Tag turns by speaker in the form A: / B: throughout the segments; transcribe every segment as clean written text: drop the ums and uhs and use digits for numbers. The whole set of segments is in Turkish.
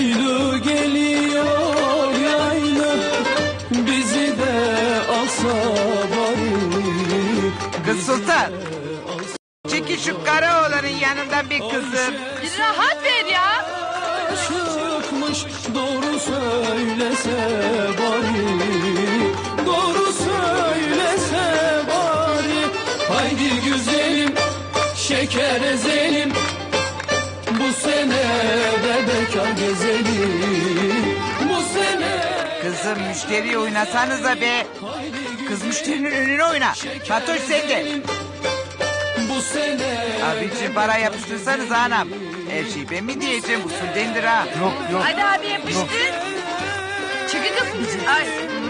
A: Yaylı geliyor yaylı, bizi de alsa bari.
B: Kız Sultan. Çekil şu Karaoğlan'ın yanından bir kızım.
C: Bir rahat ver ya.
A: Çıkmış doğru söylese bari. Doğru söylese bari. Haydi güzelim, şeker ezelim, bu sene de bekar gezelim. Bu sene.
B: Kızım müşteriyi oynasanıza be. Kız müşterinin önüne oyna. Fatoş sen de.
A: Bu sene.
B: Abiciğim para yapıştırsanız anam. Her şeyi ben mi diyeceğim, usuldendir ha.
D: Yok.
C: Hadi abi yapıştır. Çıkın kız. Ay.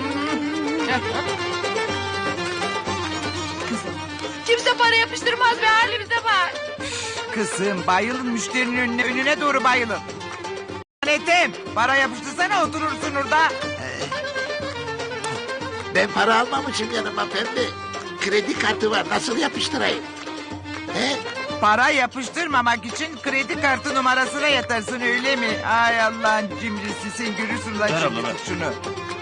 C: Kimse para yapıştırmaz be, halimize bak.
B: Kızım bayılın müşterinin önüne doğru bayılın. Ethem para yapıştırsana, oturursun orada.
D: Ben para almamışım yanıma pembe. Kredi kartı var, nasıl yapıştırayım? He?
B: Para yapıştırmamak için kredi kartı numarasına yatarsın, öyle mi? Ay Allah'ın cimrisi, sen görürsün lan şimdi şunu.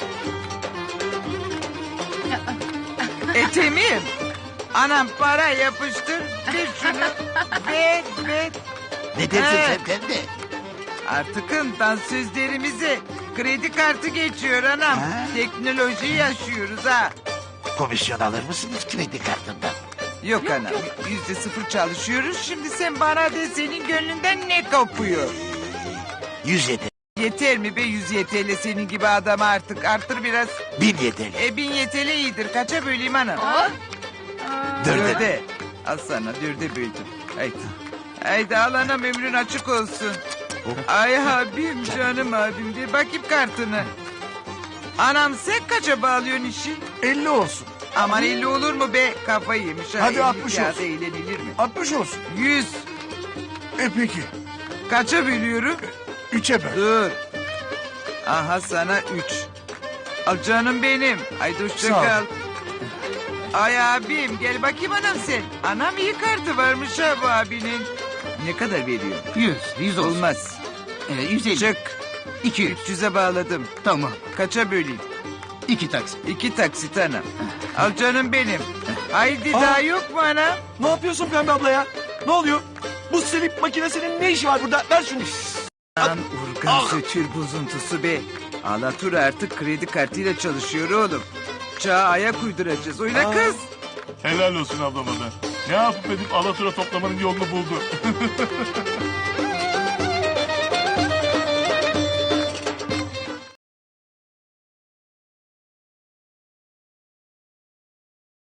B: Ethem'im. Anam para yapıştır. Ver şunu. Ver.
D: Ne dersin
B: He.
D: sen pembe?
B: Artıkın dansözlerimize kredi kartı geçiyor anam.
D: Ha?
B: Teknoloji yaşıyoruz ha.
D: Komisyon alır mısınız kredi kartından?
B: Yok anam, %0 çalışıyoruz. Şimdi sen bana de, senin gönlünden ne kopuyor?
D: 100 yeter,
B: Yeter mi be 100 YTL senin gibi adama artık? Arttır biraz.
D: 1000 yeter.
B: 1000 YTL iyidir. Kaça böleyim anam?
D: Dörde.
B: Dörde. Al sana, dörde böldüm. Haydi. Haydi al anam, ömrün açık olsun. Ay abim, canım abim, de bakayım kartını. Anam sen kaça bağlıyorsun işi?
E: 50 olsun.
B: Aman 50 olur mu be? Kafayı yemiş ha.
E: Hadi
B: 50
E: 60
B: kağıda
E: olsun.
B: eğlenilir mi?
E: 60 olsun.
B: 100.
E: Peki.
B: Kaça bölüyorum?
E: 3'e böl.
B: Dur. Aha sana 3. Al canım benim. Haydi hoşça
E: Sağ ol.
B: kal. Ay abim, gel bakayım anam sen. Anam iyi kartı varmış ha bu abinin. Ne kadar veriyor?
F: 100 olsun.
B: Olmaz.
F: 150.
B: Çık.
F: 200.
B: 300'e bağladım.
F: Tamam.
B: Kaça böleyim?
F: 2 taksit.
B: 2 taksit anam. Al canım benim. Haydi daha yok mu anam?
E: Ne yapıyorsun Pembe abla ya? Ne oluyor? Bu silip makinesinin ne işi var burada? Ver şunu.
B: Lan urgan sötür bozuntusu be. Alatur artık kredi kartıyla çalışıyor oğlum. Çağa ayak uyduracağız. Oyna kız.
G: Helal olsun ablama da. Ne yapıp edip alatura toplamanın yolunu buldu.